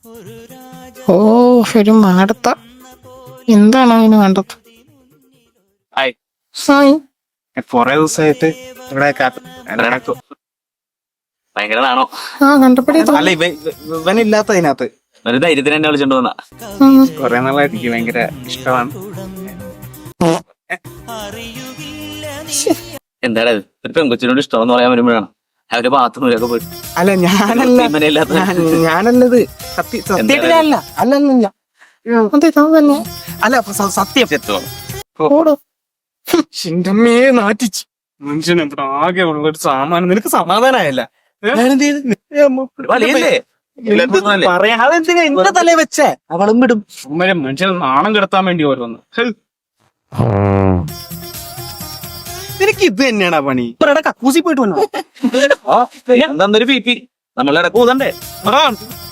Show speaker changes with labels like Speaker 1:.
Speaker 1: ഓ ഒരു മാടത്ത, എന്താണ് അതിന് വേണ്ടത്? ഹായ്.
Speaker 2: കൊറേ ദിവസമായിട്ട് ഇവിടെ
Speaker 3: ഭയങ്കരതാണോ?
Speaker 1: ആ കണ്ടപ്പടി
Speaker 2: അല്ല ഇവനില്ലാത്ത അതിനകത്ത്
Speaker 3: ഒരു ധൈര്യത്തിന് എന്നെ വിളിച്ചോണ്ട് വന്നാ.
Speaker 2: കൊറേ നാളായിട്ട് എനിക്ക് ഭയങ്കര ഇഷ്ടമാണ്.
Speaker 3: എന്താടാ ഇത്? ഒരു പെൺകൊച്ചിനോട് ഇഷ്ടമെന്ന് പറയാൻ വരുമ്പോഴാണ് അവരുടെ ബാത്റൂമിലൊക്കെ പോയിട്ട്
Speaker 2: അല്ല ഞാനല്ലത് സത്യത്തിലല്ല അല്ലല്ല
Speaker 1: അതെ താൻ തന്നെ.
Speaker 2: അല്ല സത്യം
Speaker 1: ഓടോ.
Speaker 2: ചിന്തമ്മേ നാറ്റിച്ച് മനുഷ്യൻ ഇവിടെ ആകെ ഉള്ള ഒരു സാമാനം. നിനക്ക് സമാധാനമായല്ല പറയാതെന്തിനാ എന്റെ തലേ വെച്ചേ? അവളും വിടും മനുഷ്യനെ നാണം കെടുത്താൻ വേണ്ടി ഓരോന്ന്. നിനക്ക് ഇത് തന്നെയാണാ പണി? കക്കൂസി പോയിട്ട് വന്നോ?
Speaker 3: എന്താന്നൊരു പി പി നമ്മളുടെ ഇടക്ക് ഊതണ്ടേ?